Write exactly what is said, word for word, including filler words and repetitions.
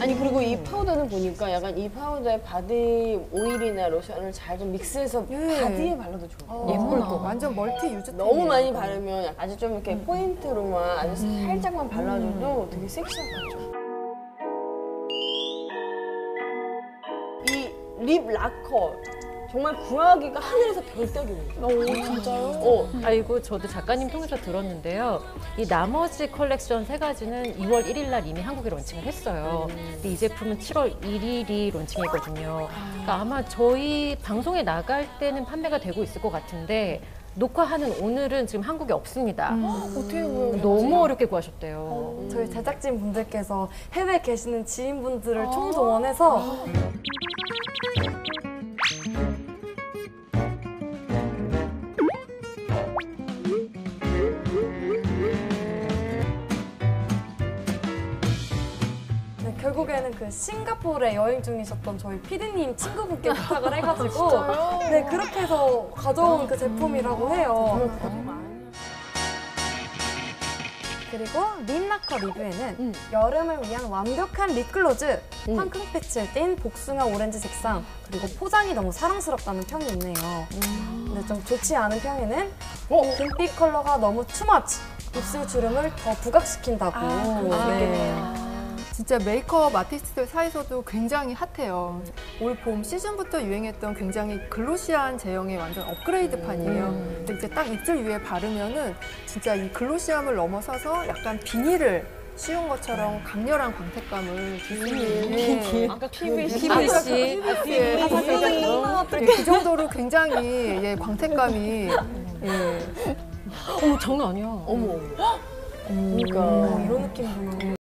아니 그리고 이 파우더는 보니까 약간 이 파우더에 바디 오일이나 로션을 잘 좀 믹스해서 예. 바디에 발라도 좋을 것 같아요. 예쁠 거. 완전 멀티 유즈. 너무 많이 바르면 아주 좀 이렇게 포인트로만 아주 음. 살짝만 발라줘도 되게 섹시한 것 같죠. 이 립 라커 정말 구하기가 하늘에서 별 따기입니다. 오, 진짜요? 어. 아이고, 저도 작가님 통해서 들었는데요. 이 나머지 컬렉션 세 가지는 이월 일일 날 이미 한국에 론칭을 했어요. 근데 이 제품은 칠월 일일이 론칭이거든요. 그러니까 아마 저희 방송에 나갈 때는 판매가 되고 있을 것 같은데 녹화하는 오늘은 지금 한국에 없습니다. 음. 어떻게 보면 너무 어렵게 구하셨대요. 저희 제작진 분들께서 해외에 계시는 지인분들을 총동원해서 네, 결국에는 그 싱가포르에 여행 중이셨던 저희 피디님 친구분께 부탁을 해가지고 네 그렇게 해서 가져온 그 제품이라고 해요. 그리고 립라커 리뷰에는 음. 여름을 위한 완벽한 립글로즈, 음. 황금 패치를 띤 복숭아 오렌지 색상, 그리고 포장이 너무 사랑스럽다는 평이 있네요. 음. 근데 좀 좋지 않은 평에는 어? 금빛 컬러가 너무 투머치, 입술 주름을 더 부각시킨다고. 아, 네. 진짜 메이크업 아티스트들 사이에서도 굉장히 핫해요. 올 봄 시즌부터 유행했던 굉장히 글로시한 제형의 완전 업그레이드판이에요. 근데 이제 딱 입술 위에 바르면은 진짜 이 글로시함을 넘어서서 약간 비닐을 씌운 것처럼 강렬한 광택감을 줄 수 있는. 아까 피부이시 피부이시. 그 정도로 굉장히 예, 광택감이 예. 어머, 장난 아니야. 어머. 어, 그러니까 이런 느낌이구나.